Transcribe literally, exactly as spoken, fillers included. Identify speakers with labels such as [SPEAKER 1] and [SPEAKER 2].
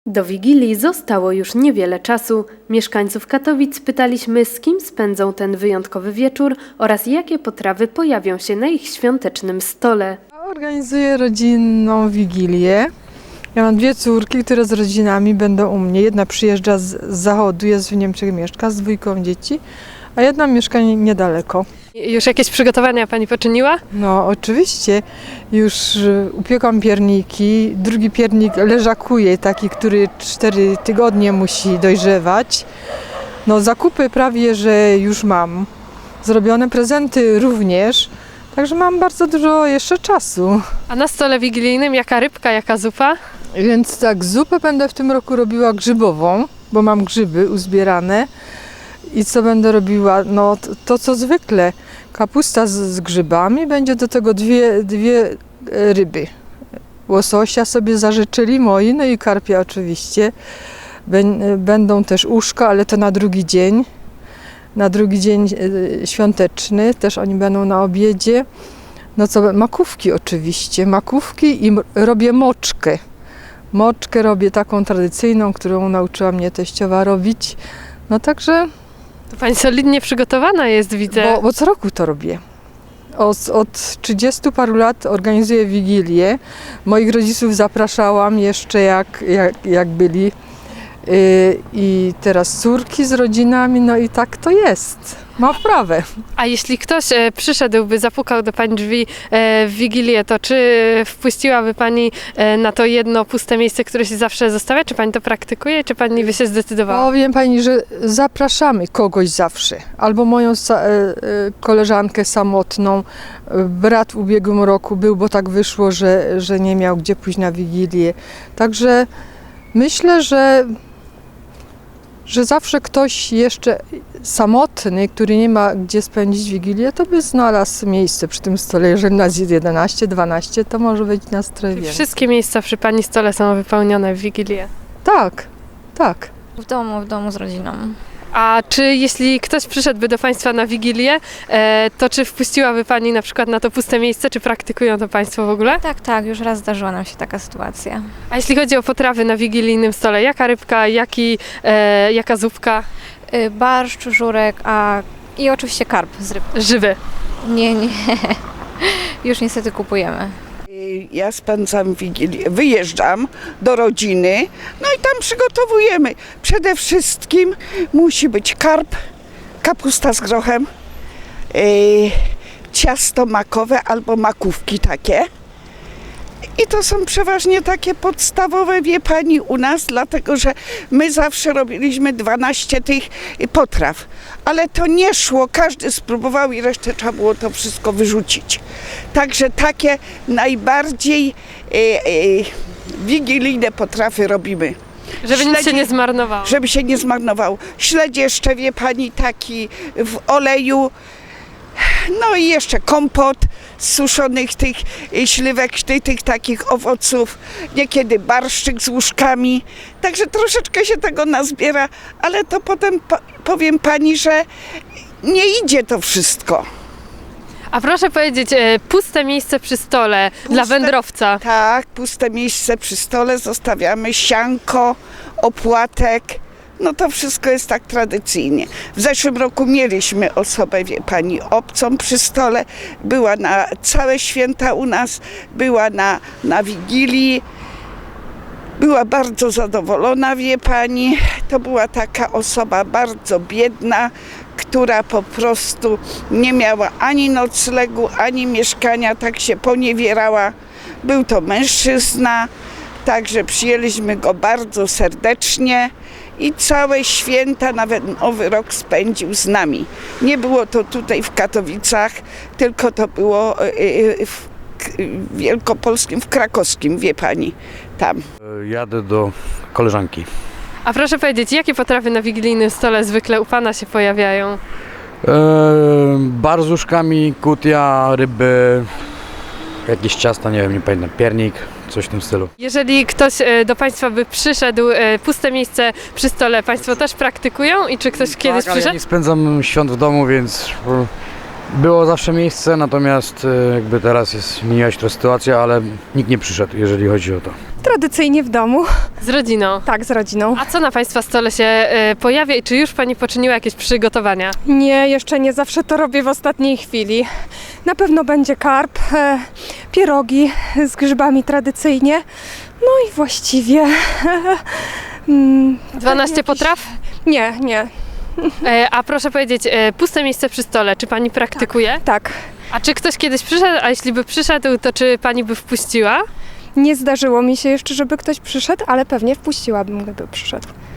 [SPEAKER 1] Do Wigilii zostało już niewiele czasu. Mieszkańców Katowic pytaliśmy, z kim spędzą ten wyjątkowy wieczór oraz jakie potrawy pojawią się na ich świątecznym stole.
[SPEAKER 2] Organizuję rodzinną Wigilię. Ja mam dwie córki, które z rodzinami będą u mnie. Jedna przyjeżdża z, z zachodu, jest w Niemczech, mieszka z dwójką dzieci, a jedna mieszka niedaleko.
[SPEAKER 3] Już jakieś przygotowania Pani poczyniła?
[SPEAKER 2] No oczywiście, już y, upiekłam pierniki, drugi piernik leżakuje, taki, który cztery tygodnie musi dojrzewać. No zakupy prawie, że już mam. Zrobione prezenty również, także mam bardzo dużo jeszcze czasu.
[SPEAKER 3] A na stole wigilijnym jaka rybka, jaka zupa?
[SPEAKER 2] Więc tak, zupę będę w tym roku robiła grzybową, bo mam grzyby uzbierane. I co będę robiła? No to, to co zwykle. Kapusta z, z grzybami, będzie do tego dwie, dwie e, ryby. Łososia sobie zażyczyli moi, no i karpia oczywiście. Bę, będą też uszka, ale to na drugi dzień. Na drugi dzień e, świąteczny, też oni będą na obiedzie. No co, makówki oczywiście, makówki i m- robię moczkę. Moczkę robię taką tradycyjną, którą nauczyła mnie teściowa robić. No także...
[SPEAKER 3] To Pani solidnie przygotowana jest, widzę.
[SPEAKER 2] Bo, bo co roku to robię. Od, od trzydziestu paru lat organizuję Wigilię. Moich rodziców zapraszałam jeszcze jak, jak, jak byli. Yy, I teraz córki z rodzinami, no i tak to jest. Ma wprawę.
[SPEAKER 3] A jeśli ktoś e, przyszedłby, zapukał do Pani drzwi e, w Wigilię, to czy wpuściłaby Pani e, na to jedno puste miejsce, które się zawsze zostawia? Czy Pani to praktykuje, czy Pani by się zdecydowała?
[SPEAKER 2] Powiem Pani, że zapraszamy kogoś zawsze. Albo moją sa- e, e, koleżankę samotną. Brat w ubiegłym roku był, bo tak wyszło, że, że nie miał gdzie pójść na Wigilię. Także myślę, że że zawsze ktoś jeszcze samotny, który nie ma gdzie spędzić Wigilię, to by znalazł miejsce przy tym stole. Jeżeli nas jest jedenaście, dwanaście, to może być nas trochę więcej.
[SPEAKER 3] Wszystkie miejsca przy Pani stole są wypełnione w Wigilię.
[SPEAKER 2] Tak, tak.
[SPEAKER 4] W domu, w domu z rodziną.
[SPEAKER 3] A czy jeśli ktoś przyszedłby do Państwa na Wigilię, e, to czy wpuściłaby Pani na przykład na to puste miejsce, czy praktykują to Państwo w ogóle?
[SPEAKER 4] Tak, tak, już raz zdarzyła nam się taka sytuacja.
[SPEAKER 3] A jeśli chodzi o potrawy na wigilijnym stole, jaka rybka, jaki, e, jaka zupka?
[SPEAKER 4] Y, Barszcz, żurek, a i oczywiście karp z ryb.
[SPEAKER 3] Żywy.
[SPEAKER 4] Nie, nie. Już niestety kupujemy.
[SPEAKER 5] Ja spędzam Wigilię, wyjeżdżam do rodziny, no i tam przygotowujemy. Przede wszystkim musi być karp, kapusta z grochem, yy, ciasto makowe albo makówki takie. I to są przeważnie takie podstawowe, wie Pani, u nas, dlatego że my zawsze robiliśmy dwanaście tych potraw. Ale to nie szło, każdy spróbował i resztę trzeba było to wszystko wyrzucić. Także takie najbardziej e, e, wigilijne potrawy robimy.
[SPEAKER 3] Żeby nic się
[SPEAKER 5] Śledzi-
[SPEAKER 3] nie zmarnowało.
[SPEAKER 5] Żeby się nie zmarnował. Śledź jeszcze, wie Pani, taki w oleju. No i jeszcze kompot z suszonych tych y, śliwek, tych, tych takich owoców, niekiedy barszczyk z łóżkami. Także troszeczkę się tego nazbiera, ale to potem po, powiem Pani, że nie idzie to wszystko.
[SPEAKER 3] A proszę powiedzieć, e, puste miejsce przy stole dla wędrowca.
[SPEAKER 5] Tak, puste miejsce przy stole, zostawiamy sianko, opłatek. No to wszystko jest tak tradycyjnie. W zeszłym roku mieliśmy osobę, wie Pani, obcą przy stole. Była na całe święta u nas, była na, na Wigilii. Była bardzo zadowolona, wie Pani. To była taka osoba bardzo biedna, która po prostu nie miała ani noclegu, ani mieszkania, tak się poniewierała. Był to mężczyzna, także przyjęliśmy go bardzo serdecznie. I całe święta, nawet Nowy Rok spędził z nami. Nie było to tutaj w Katowicach, tylko to było w Wielkopolskim, w Krakowskim, wie Pani, tam.
[SPEAKER 6] Jadę do koleżanki.
[SPEAKER 3] A proszę powiedzieć, jakie potrawy na wigilijnym stole zwykle u Pana się pojawiają?
[SPEAKER 6] E, bar z łóżkami, kutia, ryby, jakieś ciasta, nie wiem, nie pamiętam, piernik, coś w tym stylu.
[SPEAKER 3] Jeżeli ktoś e, do Państwa by przyszedł, e, puste miejsce przy stole, Państwo też praktykują i czy ktoś kiedyś
[SPEAKER 6] tak, ale ja
[SPEAKER 3] przyszedł?
[SPEAKER 6] nie spędzam świąt w domu, więc Było zawsze miejsce, natomiast e, jakby teraz jest, zmieniła się ta sytuacja, ale nikt nie przyszedł, jeżeli chodzi o to.
[SPEAKER 7] Tradycyjnie w domu,
[SPEAKER 3] Z rodziną.
[SPEAKER 7] tak, z rodziną.
[SPEAKER 3] A co na Państwa stole się e, pojawia i czy już Pani poczyniła jakieś przygotowania?
[SPEAKER 7] Nie, jeszcze nie, zawsze to robię w ostatniej chwili. Na pewno będzie karp, e, pierogi z grzybami tradycyjnie. No i właściwie... mm,
[SPEAKER 3] dwanaście
[SPEAKER 7] jakiś-
[SPEAKER 3] potraw?
[SPEAKER 7] Nie, nie,
[SPEAKER 3] E, a proszę powiedzieć, e, puste miejsce przy stole, czy Pani praktykuje?
[SPEAKER 7] tak.
[SPEAKER 3] A czy ktoś kiedyś przyszedł, a jeśli by przyszedł, to czy Pani by wpuściła?
[SPEAKER 7] Nie zdarzyło mi się jeszcze, żeby ktoś przyszedł, ale pewnie wpuściłabym, gdyby przyszedł.